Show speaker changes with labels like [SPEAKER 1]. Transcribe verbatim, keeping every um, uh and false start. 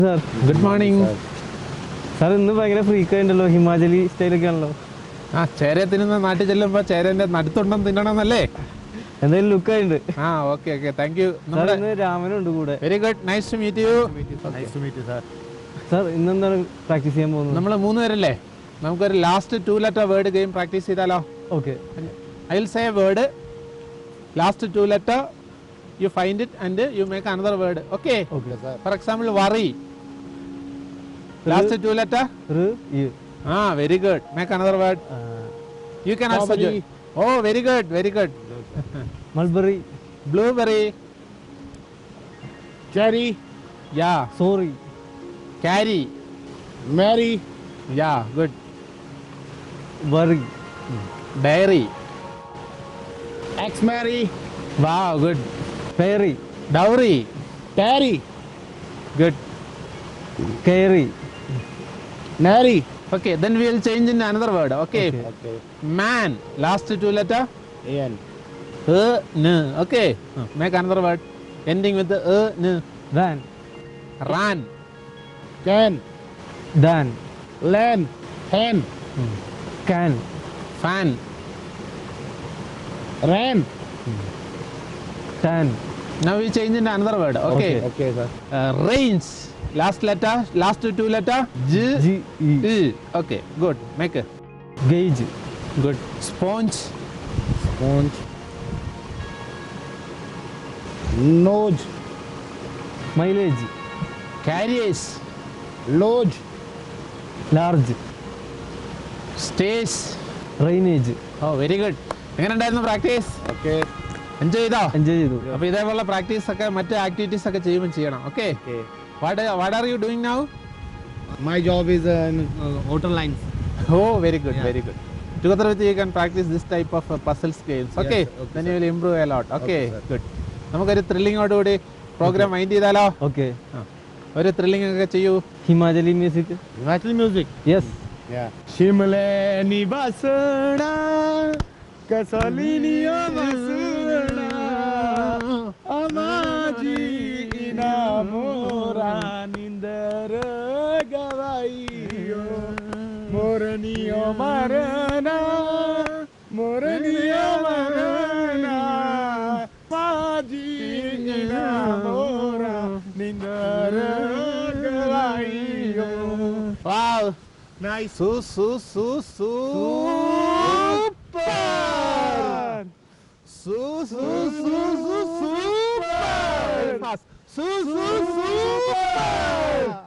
[SPEAKER 1] Sir,
[SPEAKER 2] good morning.
[SPEAKER 1] Sir, ഇന്ന് ഭയങ്കര freak ആയിട്ടുണ്ടല്ലോ, ഹിമാചലി സ്റ്റൈലൊക്കെ ആണല്ലോ.
[SPEAKER 2] ആ ചേര തിന്നുന്ന നാട്ടിൽ ചെല്ലുമ്പോ ചേരന്റെ നടുത്തുണ്ടെന്ന് തിന്നണമെന്നല്ലേ?
[SPEAKER 1] എന്തായാലും ലുക്ക് ആയിട്ടുണ്ട്.
[SPEAKER 2] ആ ഓക്കെ ഓക്കെ താങ്ക് യു.
[SPEAKER 1] ഇന്ന് രാമനുണ്ട് കൂടെ.
[SPEAKER 2] Very good, nice to meet you.
[SPEAKER 1] Sir ഇന്ന് എന്താണ് പ്രാക്ടീസ് ചെയ്യാൻ പോകുന്നത്?
[SPEAKER 2] നമ്മൾ മൂന്ന് പേരല്ലേ, നമുക്കൊരു last two letter word game practice ചെയ്താലോ?
[SPEAKER 1] Okay.
[SPEAKER 2] I will say a word, last two letter you find it and you make another word. Okay? For example worry, last two letter. Ah very good, make another word. You can also join. Oh very good very good.
[SPEAKER 1] Mulberry,
[SPEAKER 2] blueberry,
[SPEAKER 3] Cherry,
[SPEAKER 2] yeah,
[SPEAKER 1] sorry,
[SPEAKER 2] carry,
[SPEAKER 3] Mary,
[SPEAKER 2] yeah, good.
[SPEAKER 1] Worry,
[SPEAKER 2] Dairy,
[SPEAKER 3] ex-Mary,
[SPEAKER 2] wow, good.
[SPEAKER 1] പേറി,
[SPEAKER 2] Dowry,
[SPEAKER 3] Terry,
[SPEAKER 2] good.
[SPEAKER 1] കയറി,
[SPEAKER 3] Nary.
[SPEAKER 2] Okay, then we will change in another word. Okay,
[SPEAKER 1] Okay.
[SPEAKER 3] Okay.
[SPEAKER 2] man, last two letter.
[SPEAKER 3] Ian.
[SPEAKER 2] Uh, n. Okay, uh, make another word ending with the uh, n.
[SPEAKER 1] Van,
[SPEAKER 2] Ran,
[SPEAKER 3] Can.
[SPEAKER 1] Dan,
[SPEAKER 3] Len. Hen.
[SPEAKER 1] Can,
[SPEAKER 2] fan,
[SPEAKER 3] Ran.
[SPEAKER 1] Tan.
[SPEAKER 2] now we change into another word. Okay,
[SPEAKER 1] Okay.
[SPEAKER 3] Okay, sir.
[SPEAKER 2] Uh, range, last letter, last two letter. J,
[SPEAKER 1] G E,
[SPEAKER 2] E. Okay, good. Make it
[SPEAKER 1] gauge,
[SPEAKER 2] good. Sponge,
[SPEAKER 3] Sponge. Nose.
[SPEAKER 1] Mileage,
[SPEAKER 2] carriage,
[SPEAKER 3] Lodge.
[SPEAKER 1] Large,
[SPEAKER 2] stage.
[SPEAKER 1] Drainage.
[SPEAKER 2] Oh very good. എങ്ങനെ ഉണ്ടായിരുന്നു practice?
[SPEAKER 3] Okay.
[SPEAKER 2] Enjoy ചെയ്തോ?
[SPEAKER 1] Enjoy ചെയ്തു.
[SPEAKER 2] അപ്പൊ ഇതേപോലെ practice ഒക്കെ മറ്റ് activities ഒക്കെ ചെയ്യുമ്പോൾ ചെയ്യണം. Okay?
[SPEAKER 3] Okay.
[SPEAKER 2] What what are you doing now?
[SPEAKER 3] My job is uh, in uh, outer lines.
[SPEAKER 2] Oh very good very good. Together with you, you can practice this type of uh, puzzle skills. Okay?
[SPEAKER 3] Yes, okay,
[SPEAKER 2] Then
[SPEAKER 3] sir.
[SPEAKER 2] you will improve a lot. Okay?
[SPEAKER 3] Okay, sir.
[SPEAKER 2] Good. നമുക്കൊരു ത്രില്ലിങ്ങോടുകൂടി programme mind ചെയ്താലോ?
[SPEAKER 1] Okay.
[SPEAKER 2] ഒരു thrilling ഒക്കെ ചെയ്യൂ.
[SPEAKER 1] Himachali music.
[SPEAKER 3] Himachali music.
[SPEAKER 1] Yes.
[SPEAKER 3] Yeah. Shimle ni basna, kasali ni basna, amaji inamora nindar gavaiyo, moraniyo marana, moraniyo marana, amaji inamora nindar gavaiyo.
[SPEAKER 2] Wow.
[SPEAKER 3] Nice.
[SPEAKER 2] Su su su super. Su su su su super. Fast. Su su super.